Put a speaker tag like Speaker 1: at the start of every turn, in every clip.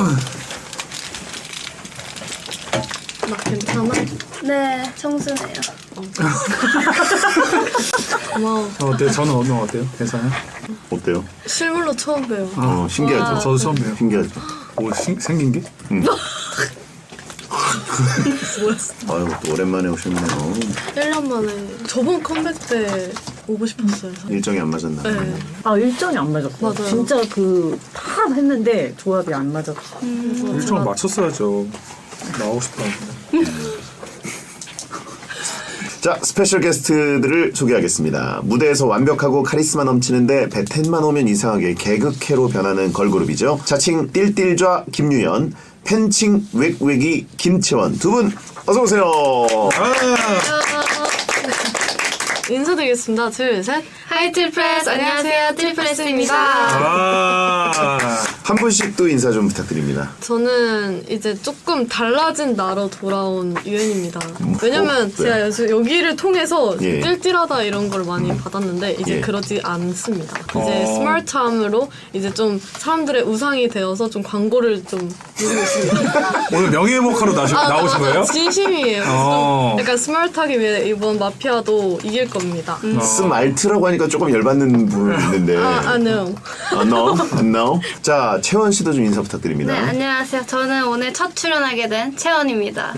Speaker 1: 막 괜찮아?
Speaker 2: 네, 청순해요.
Speaker 1: 고마워.
Speaker 3: 어때요? 저는 오늘 어때요? 괜찮아요?
Speaker 4: 어때요?
Speaker 1: 실물로 처음 봬요.
Speaker 4: 신기하죠?
Speaker 3: 저도 처음 봬요.
Speaker 4: 신기하죠?
Speaker 3: 오, 생긴 게?
Speaker 4: 아유, 또 오랜만에 오셨네요.
Speaker 1: 1년 만에. 저번 컴백 때 오고 싶었어요.
Speaker 4: 일정이 안 맞았나 봐요.
Speaker 1: 네.
Speaker 5: 아 일정이 안 맞았어요.
Speaker 1: 맞아요.
Speaker 5: 진짜 다 했는데 조합이 안 맞았어.
Speaker 3: 일정을 맞췄어야죠. 나오고 싶다.
Speaker 4: 자, 스페셜 게스트들을 소개하겠습니다. 무대에서 완벽하고 카리스마 넘치는데 배텐만 오면 이상하게 개그캐로 변하는 걸그룹이죠. 자칭 띨띨좌 김유연, 팬칭 웩웩이 김채원 두 분 어서 오세요.
Speaker 1: 인사드리겠습니다. 둘, 셋.
Speaker 2: 하이 트리플스, 안녕하세요. 트리플스입니다.
Speaker 4: 한 분씩 또 인사 좀 부탁드립니다.
Speaker 1: 저는 이제 조금 달라진 나로 돌아온 유연입니다. 왜냐면
Speaker 4: 네.
Speaker 1: 제가 여기를 통해서
Speaker 4: 예.
Speaker 1: 띨띨하다 이런 걸 많이 받았는데 이제
Speaker 4: 예.
Speaker 1: 그러지 않습니다. 이제 스마트함으로 이제 좀 사람들의 우상이 되어서 좀 광고를 좀 누리고 있습니다.
Speaker 3: 오늘 명예회복하러 나오신 거예요?
Speaker 1: 진심이에요.
Speaker 3: 어.
Speaker 1: 좀 약간 스마트하기 위해 이번 마피아도 이길 겁니다.
Speaker 4: 스말트라고 하니까 조금 열받는 부분이 있는데.
Speaker 1: no.
Speaker 4: No. 자, 채원 씨도 좀 인사 부탁드립니다.
Speaker 2: 네, 안녕하세요. 저는 오늘 첫 출연하게 된 채원입니다.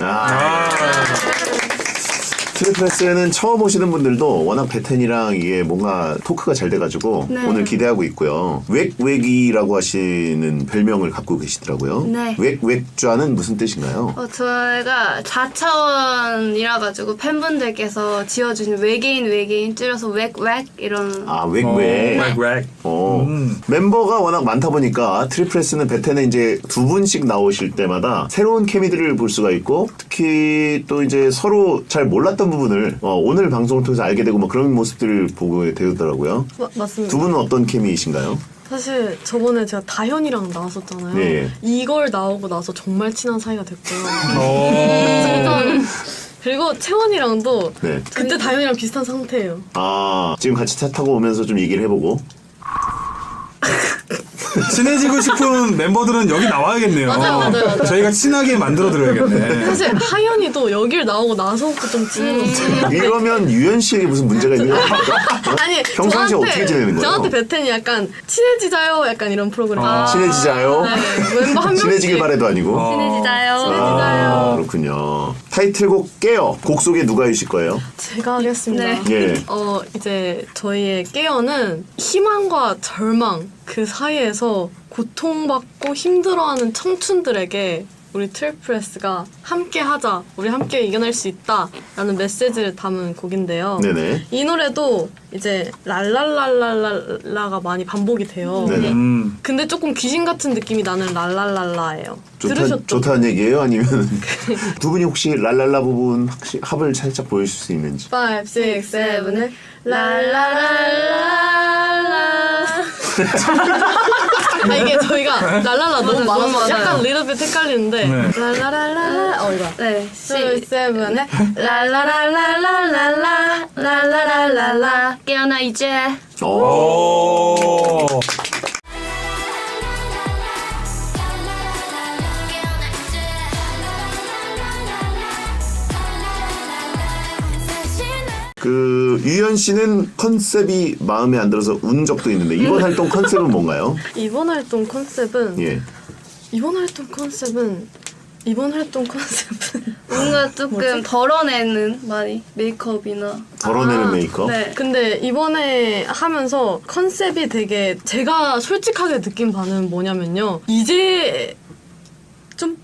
Speaker 4: 트리플스는 처음 오시는 분들도 워낙 배텐이랑 이게 뭔가 토크가 잘 돼가지고
Speaker 2: 네.
Speaker 4: 오늘 기대하고 있고요. 웩웩이라고 하시는 별명을 갖고 계시더라고요.
Speaker 2: 네.
Speaker 4: 웩웩좌는 무슨 뜻인가요?
Speaker 2: 저희가 4차원이라 가지고 팬분들께서 지어주신 외계인 줄여서 웩웩 이런.
Speaker 4: 아, 웩웩.
Speaker 3: 웩.
Speaker 4: 멤버가 워낙 많다 보니까 트리플스는 배텐에 이제 두 분씩 나오실 때마다 새로운 케미들을 볼 수가 있고 특히 또 이제 서로 잘 몰랐던 부분을 오늘 방송을 통해서 알게 되고 뭐 그런 모습들을 보게 되더라고요.
Speaker 1: 맞습니다.
Speaker 4: 두 분은 어떤 케미이신가요?
Speaker 1: 사실 저번에 제가 다현이랑 나왔었잖아요.
Speaker 4: 네.
Speaker 1: 이걸 나오고 나서 정말 친한 사이가 됐고요.
Speaker 3: 오.
Speaker 1: 그리고 채원이랑도
Speaker 4: 네.
Speaker 1: 그때 다현이랑 비슷한 상태예요.
Speaker 4: 아, 지금 같이 차 타고 오면서 좀 얘기를 해보고.
Speaker 3: 친해지고 싶은 멤버들은 여기 나와야겠네요.
Speaker 1: 맞아요.
Speaker 3: 저희가 친하게 만들어드려야겠네.
Speaker 1: 사실 하연이도 여길 나오고 나서부터 좀 친해졌어요.
Speaker 4: 이러면 유연 씨에게 무슨 문제가 있는 겁니까?
Speaker 1: 아니
Speaker 4: 평상시에 어떻게 지내는 거예요?
Speaker 1: 저한테 베텐이 약간 친해지자요 약간 이런 프로그램.
Speaker 4: 친해지자요?
Speaker 1: 네, 멤버 한 명씩
Speaker 4: 친해지길 바래도 아니고.
Speaker 2: 친해지자요.
Speaker 4: 아, 그렇군요. 타이틀곡 깨요. 곡 소개 누가 해주실 거예요?
Speaker 1: 제가 하겠습니다.
Speaker 2: 네.
Speaker 4: 예.
Speaker 1: 이제 저희의 깨어는 희망과 절망 그 사이에서 고통받고 힘들어하는 청춘들에게 우리 트리플스가 함께 하자, 우리 함께 이겨낼 수 있다라는 메시지를 담은 곡인데요.
Speaker 4: 네네.
Speaker 1: 이 노래도 이제 랄랄랄랄라가 많이 반복이 돼요.
Speaker 4: 네네.
Speaker 1: 근데 조금 귀신 같은 느낌이 나는 랄랄랄라예요. 들으셨죠?
Speaker 4: 좋다는 얘기예요? 아니면 두 분이 혹시 랄랄라 부분 합을 살짝 보여줄 수 있는지?
Speaker 1: 5, 6, 7, 8 랄랄랄랄라 이게 저희가 랄랄라 너무 많아서
Speaker 2: 너무
Speaker 1: 약간
Speaker 2: 많아요.
Speaker 1: 리더빗 헷갈리는데
Speaker 3: 네.
Speaker 1: 랄랄랄라 이거
Speaker 2: 네.
Speaker 1: 2, 7
Speaker 2: 랄랄랄랄랄랄라 랄랄랄랄라 깨어나 이제.
Speaker 3: 오.
Speaker 4: 유연 씨는 컨셉이 마음에 안 들어서 운 적도 있는데 이번 활동 컨셉은 뭔가요?
Speaker 1: 이번 활동 컨셉은
Speaker 4: 예.
Speaker 2: 뭔가 조금 덜어내는 많이 메이크업이나.
Speaker 4: 덜어내는 메이크업?
Speaker 2: 네.
Speaker 1: 근데 이번에 하면서 컨셉이 되게 제가 솔직하게 느낀 바는 뭐냐면요. 이제 좀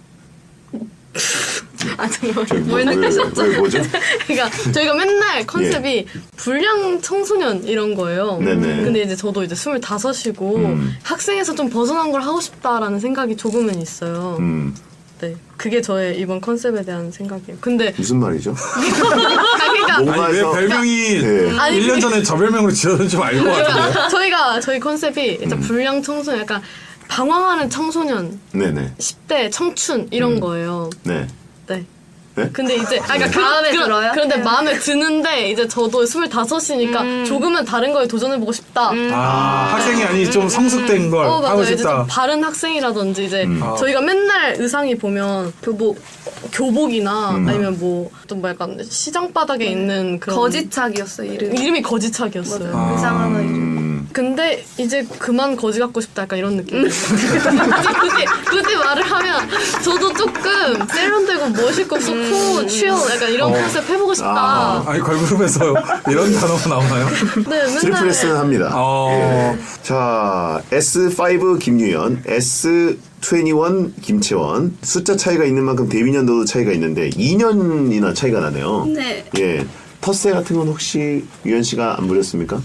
Speaker 1: 잠깐만 뭘 느끼셨죠?
Speaker 4: 왜 뭐죠?
Speaker 1: 그러니까 저희가 맨날 컨셉이 불량 청소년 이런 거예요.
Speaker 4: 네네.
Speaker 1: 근데 이제 저도 이제 25이고 학생에서 좀 벗어난 걸 하고 싶다라는 생각이 조금은 있어요. 네, 그게 저의 이번 컨셉에 대한 생각이에요. 근데
Speaker 4: 무슨 말이죠?
Speaker 1: 그러니까
Speaker 3: 아니 왜 별명이
Speaker 4: 네.
Speaker 1: 아니,
Speaker 3: 1년 전에 저 별명으로 지어졌는지 좀 알 것 같은데.
Speaker 1: 저희 컨셉이 일단 불량 청소년, 약간 방황하는 청소년,
Speaker 4: 네네.
Speaker 1: 10대 청춘 이런 거예요.
Speaker 4: 네.
Speaker 1: 네.
Speaker 4: 네?
Speaker 1: 근데 이제 그러니까
Speaker 2: 마음에 들어요?
Speaker 1: 그런데
Speaker 2: 네.
Speaker 1: 마음에 드는데 이제 저도 25이니까 조금은 다른 거에 도전해보고 싶다.
Speaker 3: 학생이 아니 좀 성숙된 걸 하고
Speaker 1: 맞아요. 이제
Speaker 3: 싶다.
Speaker 1: 좀 바른 학생이라든지 이제 저희가 맨날 의상이 보면 교복이나 아니면 뭐 좀 뭐 약간 시장 바닥에 있는 그런
Speaker 2: 거지착이었어요,
Speaker 1: 이름이 거지착이었어요.
Speaker 2: 맞아요. 의상 하나 이름.
Speaker 1: 근데 이제 그만 거지 같고 싶다 약간 이런 느낌. 굳이 말을 하면 저도 조금 세련되고 멋있고 소쿠 취어 약간 이런 컨셉 해보고 싶다.
Speaker 3: 아니 걸그룹에서 이런 단어가 나오나요?
Speaker 1: 네, 맨날
Speaker 4: 트리플S는 합니다. 예. 자, S5 김유연, S21 김채원. 숫자 차이가 있는 만큼 데뷔 년도도 차이가 있는데 2년이나 차이가 나네요.
Speaker 2: 네.
Speaker 4: 예. 텃세 같은 건 혹시 유연 씨가 안 부렸습니까?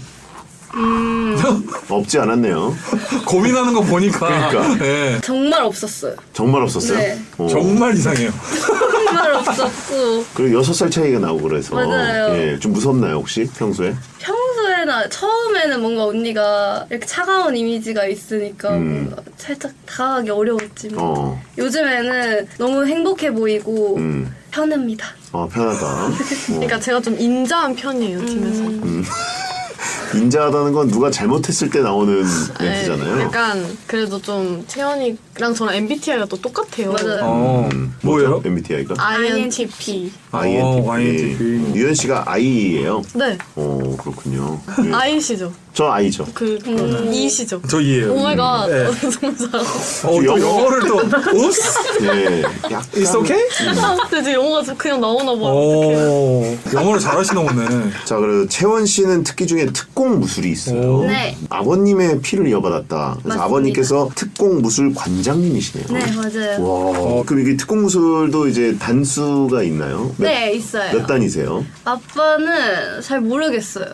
Speaker 4: 없지 않았네요.
Speaker 3: 고민하는 거 보니까
Speaker 4: 그러니까.
Speaker 3: 예.
Speaker 2: 정말 없었어요.
Speaker 4: 정말 없었어요.
Speaker 2: 네.
Speaker 3: 정말 이상해요.
Speaker 2: 정말 없었고.
Speaker 4: 그리고 6살 차이가 나고 그래서
Speaker 2: 맞아요.
Speaker 4: 예, 좀 무섭나요 혹시 평소에?
Speaker 2: 평소에나 처음에는 뭔가 언니가 이렇게 차가운 이미지가 있으니까 뭔가 살짝 다가가기 어려웠지만 요즘에는 너무 행복해 보이고 편합니다.
Speaker 4: 편하다.
Speaker 1: 그러니까 제가 좀 인자한 편이에요 팀에서.
Speaker 4: 인자하다는 건 누가 잘못했을 때 나오는
Speaker 1: 네,
Speaker 4: 멘트잖아요.
Speaker 1: 약간 그래도 좀 채연이랑 저랑 MBTI가 또 똑같아요.
Speaker 2: 맞아요.
Speaker 3: 뭐예요?
Speaker 4: MBTI가?
Speaker 1: INTP.
Speaker 4: INTP. 유연 씨가 I예요.
Speaker 1: 네,
Speaker 4: 그렇군요. 예.
Speaker 1: I시죠.
Speaker 4: 저 I죠.
Speaker 1: E시죠.
Speaker 3: 저 이해요.
Speaker 1: 오마이갓.
Speaker 3: 네.
Speaker 1: 너무 잘하고.
Speaker 3: 또 영어를 또 옵스.
Speaker 4: 예. 약간
Speaker 3: It's okay?
Speaker 1: 근데 이제 영어가 그냥 나오나 봐. 어떡해.
Speaker 3: 영어를 잘하시나 보네.
Speaker 4: 자, 그리고 채원 씨는 특기 중에 특공 무술이 있어요.
Speaker 2: 네.
Speaker 4: 아버님의 피를 이어받았다. 그래서
Speaker 2: 맞습니다.
Speaker 4: 아버님께서 특공 무술 관장님이시네요.
Speaker 2: 네, 맞아요.
Speaker 4: 와, 그럼 이게 특공 무술도 이제 단수가 있나요?
Speaker 2: 네, 있어요.
Speaker 4: 몇 단이세요?
Speaker 2: 아빠는 잘 모르겠어요.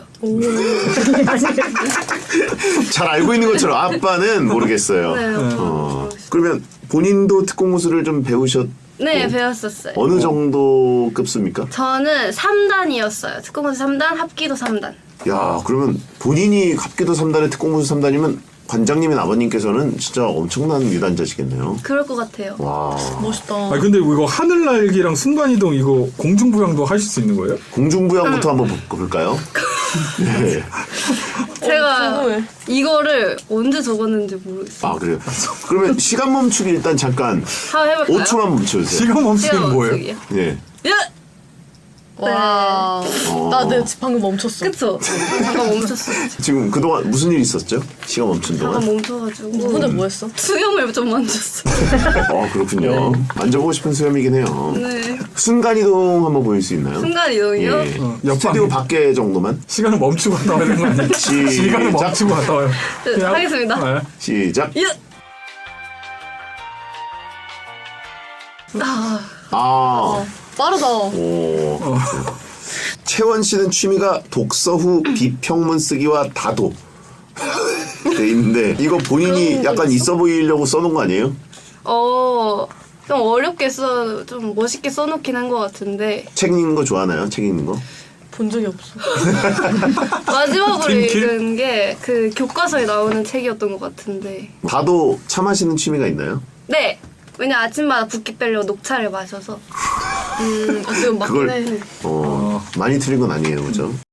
Speaker 4: 잘 알고 있는 것처럼 아빠는 모르겠어요.
Speaker 2: 네,
Speaker 4: 그러면 본인도 특공 무술을 좀 배우셨?
Speaker 2: 네, 배웠었어요.
Speaker 4: 어느 정도 급수입니까?
Speaker 2: 저는 3단이었어요. 특공무술 3단, 합기도 3단.
Speaker 4: 야, 그러면 본인이 합기도 3단에 특공 무술 3단이면 관장님인 아버님께서는 진짜 엄청난 유단자시겠네요.
Speaker 2: 그럴 것 같아요.
Speaker 4: 와,
Speaker 1: 멋있다.
Speaker 3: 아 근데 이거 하늘날기랑 순간이동 이거 공중부양도 하실 수 있는 거예요?
Speaker 4: 공중부양부터 한번 볼까요? 네.
Speaker 2: 제가
Speaker 1: 궁금해.
Speaker 2: 이거를 언제 적었는지 모르겠어요.
Speaker 4: 아, 그래요? 그러면 시간 멈추기 일단 잠깐
Speaker 2: 한번 해볼까요?
Speaker 4: 5초만 멈춰주세요.
Speaker 3: 시간 멈추기는 뭐예요?
Speaker 2: 멈추기요.
Speaker 4: 네.
Speaker 1: 와. 나 내 방금 멈췄어.
Speaker 2: 그쵸? 잠깐 멈췄어요.
Speaker 4: 지금 그동안 무슨 일 있었죠? 시간 멈춘 동안?
Speaker 2: 잠깐 멈춰가지고
Speaker 1: 근데 뭐 했어?
Speaker 2: 수염을 좀 만졌어요.
Speaker 4: 그렇군요. 만져보고 싶은 수염이긴 해요.
Speaker 2: 네.
Speaker 4: 순간이동 한번 보일 수 있나요?
Speaker 2: 순간 이동이요?
Speaker 4: 예.
Speaker 3: 옆방.
Speaker 4: 스튜디오 밖에 정도만?
Speaker 3: 시간을 멈추고 갔다 와야 되는 거 아니에요? 시간을 멈추고 갔다 와요.
Speaker 2: 네,
Speaker 3: 그냥-
Speaker 2: 하겠습니다.
Speaker 3: 네.
Speaker 4: 시작.
Speaker 2: 예.
Speaker 1: 빠르다.
Speaker 4: 오. 채원 씨는 취미가 독서 후 비평문 쓰기와 다도 돼 있는데 이거 본인이 약간 있어 보이려고 써놓은 거 아니에요?
Speaker 2: 좀 어렵게 좀 멋있게 써놓긴 한 것 같은데
Speaker 4: 책 읽는 거 좋아하나요? 책 읽는 거?
Speaker 1: 본 적이 없어.
Speaker 2: 마지막으로
Speaker 3: 팀킬?
Speaker 2: 읽은 게 그 교과서에 나오는 책이었던 것 같은데
Speaker 4: 다도 차 마시는 취미가 있나요?
Speaker 2: 네! 왜냐 아침마다 붓기 빼려고 녹차를 마셔서
Speaker 1: 지금 막
Speaker 4: 그걸
Speaker 1: 네.
Speaker 4: 많이 틀린 건 아니에요, 그죠?